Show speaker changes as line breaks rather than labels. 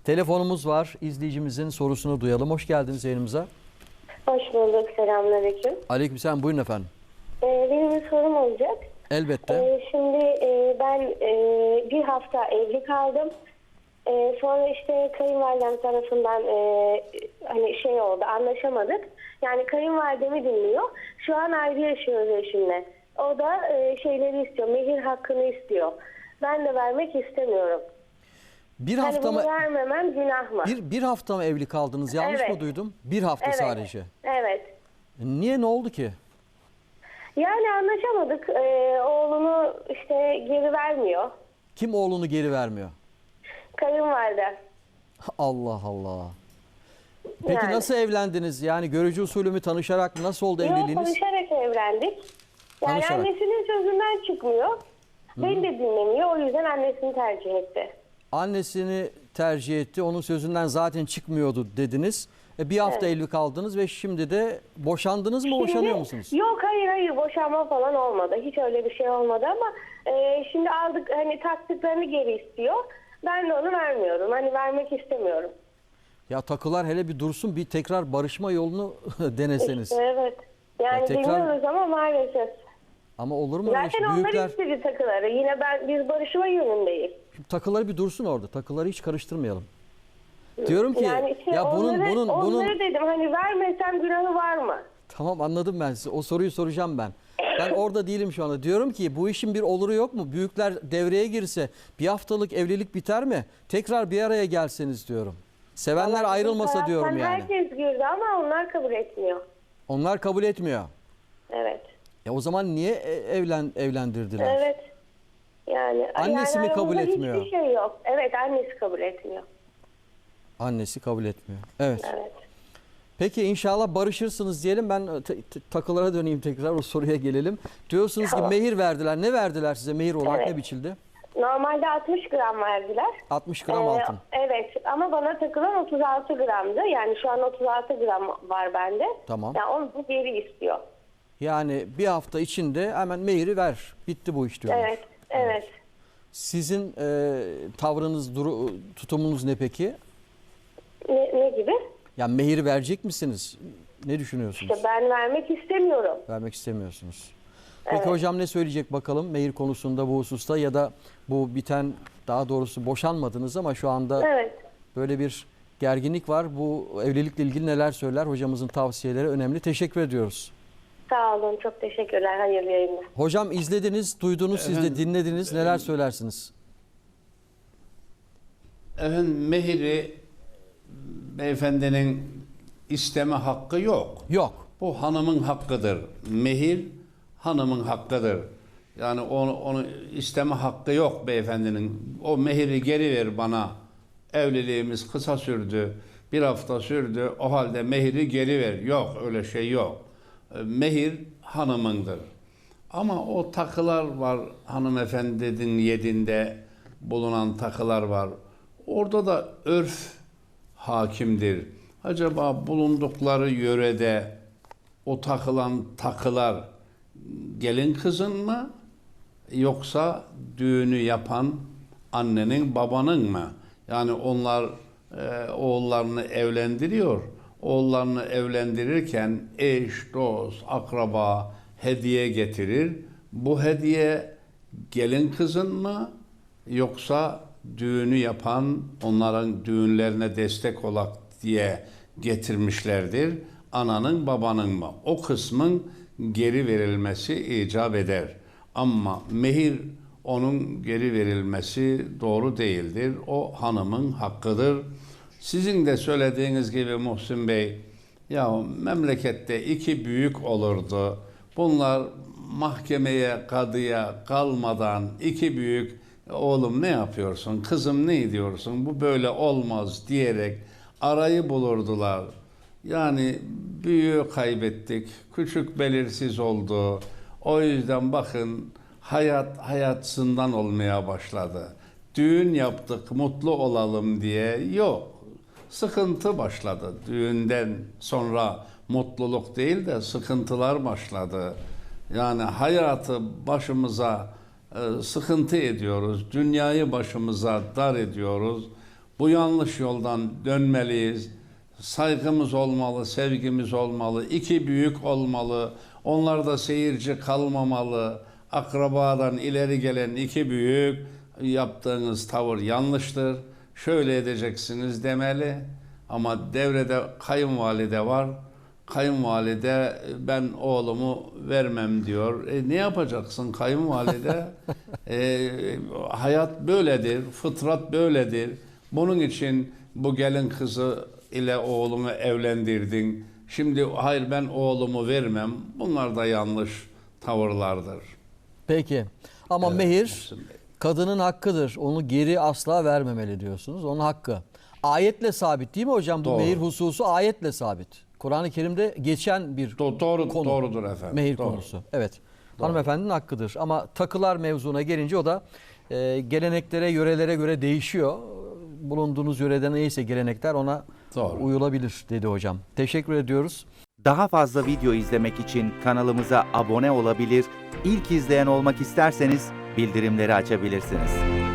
Telefonumuz var. İzleyicimizin sorusunu duyalım. Hoş geldiniz yayınımıza.
Hoş bulduk. Selamünaleyküm.
Aleykümselam. Buyurun efendim.
Benim bir sorum olacak.
Elbette.
Şimdi ben bir hafta evli kaldım. Sonra işte kayınvalidem tarafından hani şey oldu, anlaşamadık. Yani kayınvalidemi dinliyor. Şu an ayrı yaşıyoruz eşimle. O da şeyleri istiyor, mehir hakkını istiyor. Ben de vermek istemiyorum.
Bir
Hani
hafta
bunu
mı
vermemem günah mı?
bir hafta mı evli kaldınız? Yanlış
Evet.
mı duydum? Bir hafta
Evet.
sadece.
Evet.
Niye, ne oldu ki?
Yani anlaşamadık. Oğlunu işte geri vermiyor.
Kim oğlunu geri vermiyor?
Kayınvalide.
Allah Allah. Peki
Yani.
nasıl evlendiniz? Yani görücü usulü mü, tanışarak mı? Nasıl oldu
Yok,
evliliğiniz?
konuşarak evlendik. Yani
Konuşarak.
annesinin sözünden çıkmıyor. Beni de dinlemiyor. O yüzden annesini tercih etti.
Annesini tercih etti. Onun sözünden zaten çıkmıyor dediniz. Bir hafta evli kaldınız ve şimdi de boşandınız mı, boşanıyor musunuz?
Yok, hayır boşanma falan olmadı. Hiç öyle bir şey olmadı ama şimdi aldık, hani taktıklarını geri istiyor. Ben de onu vermiyorum. Hani vermek istemiyorum.
Ya takılar hele bir dursun, bir tekrar barışma yolunu deneseniz.
İşte evet. Yani
Ya tekrar-
deniyoruz ama maalesef.
Ama olur mu öyle
Zaten
şey?
onlar
Büyükler
istedi takıları. Yine biz barışma yönündeyiz.
takıları bir dursun orada. Takıları hiç karıştırmayalım. Diyorum ki
Yani işte
ya bunun
onları dedim, hani vermesem günahı var mı?
tamam, anladım ben size. O soruyu soracağım ben. Ben orada değilim şu anda. Diyorum ki bu işin bir oluru yok mu? Büyükler devreye girse bir haftalık evlilik biter mi? Tekrar bir araya gelseniz diyorum. Sevenler
Ama
ayrılmasa
bizim
diyorum
taraftan
yani.
herkes girdi ama onlar kabul etmiyor.
Onlar kabul etmiyor.
Evet.
O zaman niye evlendirdiler?
Evet. Yani
Annesi mi kabul
aramızda
etmiyor?
Hiçbir şey yok. Evet, annesi kabul etmiyor.
Annesi kabul etmiyor. Evet.
Evet.
Peki inşallah barışırsınız diyelim. Ben takılara döneyim, tekrar o soruya gelelim. Diyorsunuz
Tamam.
ki mehir verdiler. Ne verdiler size mehir olarak,
Evet.
ne biçildi?
Normalde 60 gram verdiler.
60 gram altın.
Evet, ama bana takılan 36 gramdı. Yani şu an 36 gram var bende.
Tamam.
Yani onu geri istiyor.
Yani bir hafta içinde hemen mehiri ver. Bitti bu iş diyorlar.
Evet, evet.
Sizin tavrınız, tutumunuz ne peki?
Ne gibi?
Yani mehiri verecek misiniz? Ne düşünüyorsunuz?
İşte ben vermek istemiyorum.
Vermek istemiyorsunuz. Peki
Evet.
hocam ne söyleyecek bakalım mehir konusunda, bu hususta, ya da bu biten, daha doğrusu boşanmadınız ama şu anda
Evet.
böyle bir gerginlik var. Bu evlilikle ilgili neler söyler? Hocamızın tavsiyeleri önemli. Teşekkür ediyoruz.
Sağ olun, çok teşekkürler. Hayırlı yayınlar.
Hocam izlediniz, duydunuz, siz de dinlediniz. Neler söylersiniz?
Efendim, mehiri beyefendinin isteme hakkı yok.
Yok.
Bu hanımın hakkıdır. Mehir hanımın hakkıdır. Yani onu isteme hakkı yok beyefendinin. O mehiri geri ver bana. Evliliğimiz kısa sürdü. Bir hafta sürdü. O halde mehiri geri ver. Yok, öyle şey yok. Mehir hanımındır. Ama o takılar var, hanımefendinin yedinde bulunan takılar var. Orada da örf hakimdir. Acaba bulundukları yörede o takılan takılar gelin kızın mı, yoksa düğünü yapan annenin, babanın mı? Yani onlar oğullarını evlendiriyor. Oğullarını evlendirirken eş, dost, akraba hediye getirir. Bu hediye gelin kızın mı, yoksa düğünü yapan, onların düğünlerine destek olak diye getirmişlerdir. Ananın, babanın mı? O kısmın geri verilmesi icap eder. Ama mehir, onun geri verilmesi doğru değildir. O hanımın hakkıdır. Sizin de söylediğiniz gibi Muhsin Bey, ya memlekette iki büyük olurdu. Bunlar mahkemeye, kadıya kalmadan iki büyük, oğlum ne yapıyorsun, kızım ne ediyorsun, bu böyle olmaz diyerek arayı bulurdular. Yani büyüğü kaybettik, küçük belirsiz oldu. O yüzden bakın, hayatsından olmaya başladı. Düğün yaptık, mutlu olalım diye yok. Sıkıntı başladı. Düğünden sonra mutluluk değil de sıkıntılar başladı. Yani hayatı başımıza sıkıntı ediyoruz. Dünyayı başımıza dar ediyoruz. Bu yanlış yoldan dönmeliyiz. Saygımız olmalı, sevgimiz olmalı. İki büyük olmalı. Onlar da seyirci kalmamalı. Akrabadan ileri gelen iki büyük, yaptığınız tavır yanlıştır. Şöyle edeceksiniz demeli. Ama devrede kayınvalide var. Kayınvalide ben oğlumu vermem diyor. Ne yapacaksın kayınvalide? Hayat böyledir, fıtrat böyledir. Bunun için bu gelin kızı ile oğlumu evlendirdin. Şimdi hayır ben oğlumu vermem. Bunlar da yanlış tavırlardır.
Peki. Ama
Evet,
mehir
Muhsin Bey.
kadının hakkıdır. Onu geri asla vermemeli diyorsunuz. Onun hakkı. Ayetle sabit değil mi hocam? Bu
Doğru.
mehir hususu ayetle sabit. Kur'an-ı Kerim'de geçen bir
Doğru,
konu.
doğrudur efendim.
Mehir
Doğru.
konusu. Evet. Hanımefendinin hakkıdır. Ama takılar mevzuna gelince o da geleneklere, yörelere göre değişiyor. Bulunduğunuz yörede neyse gelenekler ona
Doğru.
uyulabilir dedi hocam. Teşekkür ediyoruz.
Daha fazla video izlemek için kanalımıza abone olabilir, ilk izleyen olmak isterseniz bildirimleri açabilirsiniz.